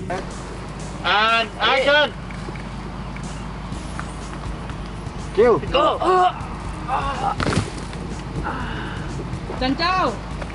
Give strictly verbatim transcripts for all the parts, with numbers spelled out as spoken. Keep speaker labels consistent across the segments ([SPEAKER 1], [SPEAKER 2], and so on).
[SPEAKER 1] อ่านแอคชั่นคิวโก้
[SPEAKER 2] จันเจ้า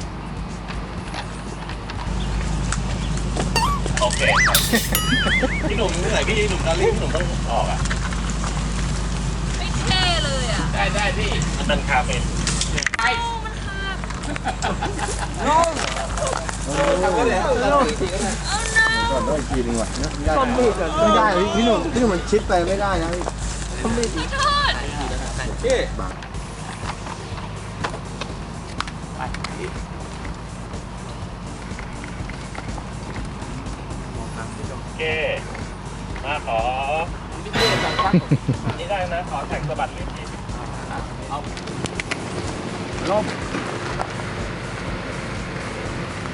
[SPEAKER 1] โอเคพี่หนุ่มเหนื่อยพี่หนุ่มตอนนี้พี่หนุ่มต้องออกอ่ะ
[SPEAKER 2] ไม่เท่เลยอ่ะ
[SPEAKER 1] ได้ได้พี่มันเป็นคาเฟ่ไอ้
[SPEAKER 2] มันขาด
[SPEAKER 1] น้องทำก็ได้เอาน้อง
[SPEAKER 3] ก่อนด้วยทีนึงว่ะไม่ได้พี่หนุ่มพี่หนุ่มมันชิดไปไม่ได้นะพี่
[SPEAKER 2] ขอโทษ
[SPEAKER 1] พี่โอเคมาขอนี่ได้นะขอแท็กสะบัดลิ้นทีเอาลมไป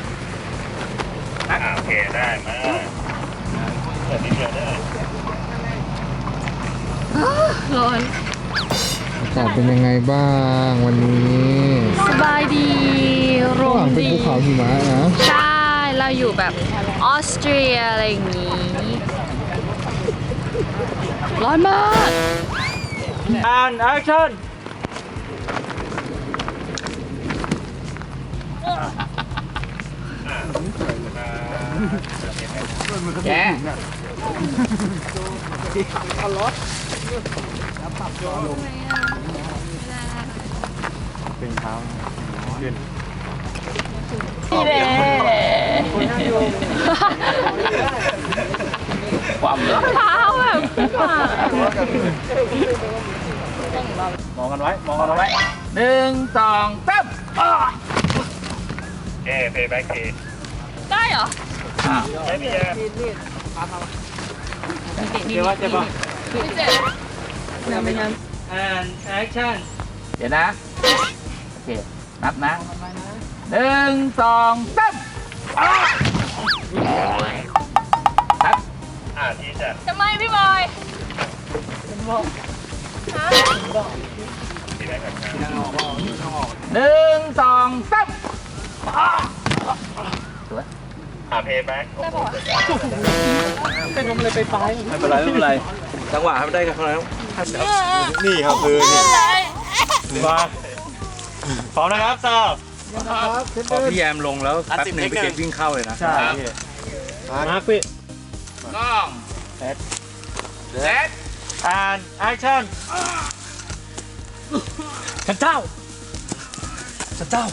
[SPEAKER 1] โอเคได้มาเปิดนิดเดียวได้
[SPEAKER 2] ร้อน
[SPEAKER 4] อากาศเป็นยังไงบ้างวันนี้
[SPEAKER 2] สบายดีลมดี
[SPEAKER 4] เป็นภูเขาหิมะนะ
[SPEAKER 2] ใช่เราอยู่แบบออสเตรียอะไรอย่างนี้ร้อนมาก
[SPEAKER 1] and action แกเอารถเป็นเท้าขึ้น
[SPEAKER 2] นี่เลย
[SPEAKER 1] ความเลย
[SPEAKER 2] เท้าแบบ
[SPEAKER 1] มองกันไว้มองกันไว้หนึ่งสองสามเอ๊ะเพย์แบ็กที
[SPEAKER 2] ได้เหรอ
[SPEAKER 1] ไม่มีแย่เดี๋ยวว่าจะบอก
[SPEAKER 2] ไม่เจ็บน้ำไม่น้
[SPEAKER 1] ำ and action เดี๋ยวนะโอเคนับนะหนึ่งสองสามครับอ่าที่จะ
[SPEAKER 2] ำทำไมพี่บอย
[SPEAKER 1] หนึ่งสองสามสวยอ่าเพย์แบ็กได้ป่ะเป็นลมเลยไปไปไม่เป็นไรไม่เป็นไรจังหวะทำได้กันเท่านั้น
[SPEAKER 3] นี่ครับคือนี่
[SPEAKER 1] มาพร้อมนะครับซาว
[SPEAKER 3] พอพี่แยมลงแล้วแป๊บนึงไปเก็บวิ่งเข้าเลยนะ
[SPEAKER 1] ใช่มาร์คพี่กล้องเซตเซตอ่านแอคชั่นฉันเจ้าฉันเจ้า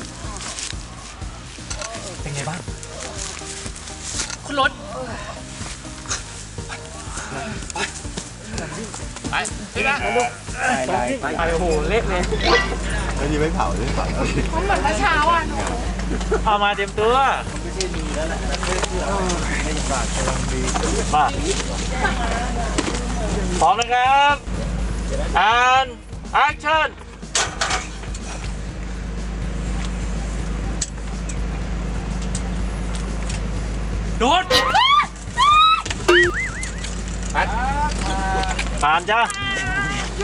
[SPEAKER 1] เป็นไงบ้างคุณรถไปไปไปไปไปโอ้โหเละเลย
[SPEAKER 3] ไม่ดีไม่เผาไม่เผา
[SPEAKER 2] มันเหมือนเมื่อเช้าอ่ะหนู
[SPEAKER 1] เอามาเตรียมตัวมาพร้อมนะครับอ่านแอคชั่นโดดผ่านจ้ะ
[SPEAKER 3] ร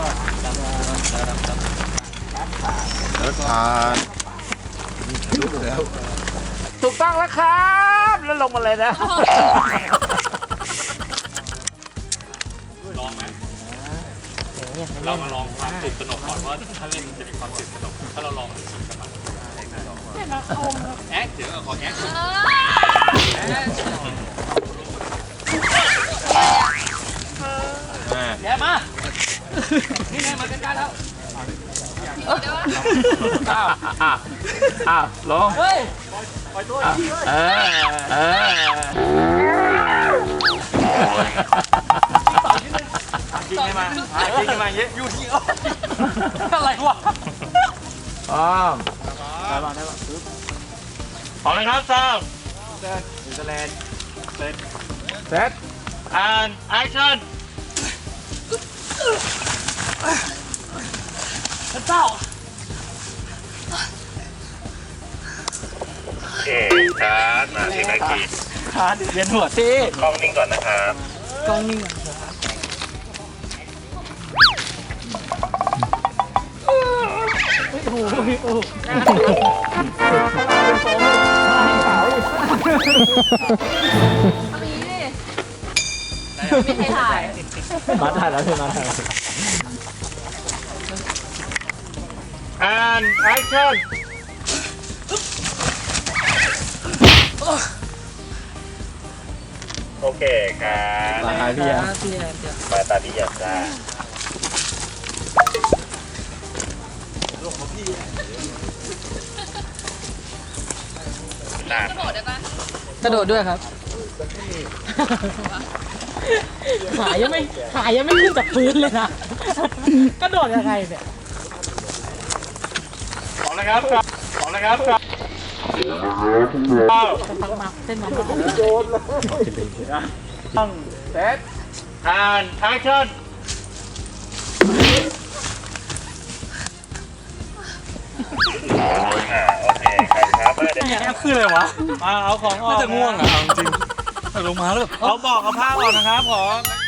[SPEAKER 3] ถผ่าน
[SPEAKER 1] ถูกต้องแล้วครับแล้วลงมาเลยนะลองไหมเรามาลองความตื่นตระหนกก่อนว่าถ้าเล่นจะมีความตื่นตระหนกถ้าเราลองชิมกันมาแอ๊กเดี๋ยวขอแอ๊กแย่มานี่ไงมากันกันแล้วอ้าวอ้าวอ้าวลงเฮ้ยปล่อยตัวอีกเออเออจริงไหมจริงไหมเยอะอยู่ที่อะไรวะอ๋อได้ป่ะได้ป่ะพร้อมนะครับซ้อมเซตนิวซีแลนด์เซตเซต and action เจ้าโอเคชาร์จมาที่แม็กกี้ชาร์จเวียนหัวสิกล้องนิ่งก่อนนะครับกล้องนิ่งโอ้โหโอ้โห
[SPEAKER 2] ไม่ให้ถ่าย
[SPEAKER 3] มาถ่ายแล้วใช่ไหมถ่าย
[SPEAKER 1] and action โอเคครับ
[SPEAKER 3] มาถ่ายพี่อะ
[SPEAKER 1] มาตาดีอย่างจ้า
[SPEAKER 5] กระโดดด้วยครับ ขายังไม่ขายังไม่ขึ้นจากพื้นเลยนะ กระโดดยังไงเนี่ย
[SPEAKER 1] ขอเลยครับขอเลยครับ
[SPEAKER 5] ฟังมาเส้นมา
[SPEAKER 1] ต้องเซต and action โอเคครับครับคืออะไรวะมาเอาของออกน่าจะง่วงอ่ะจริงลงมาแล้วเอาบอกเอาผ้าออกนะครับขอ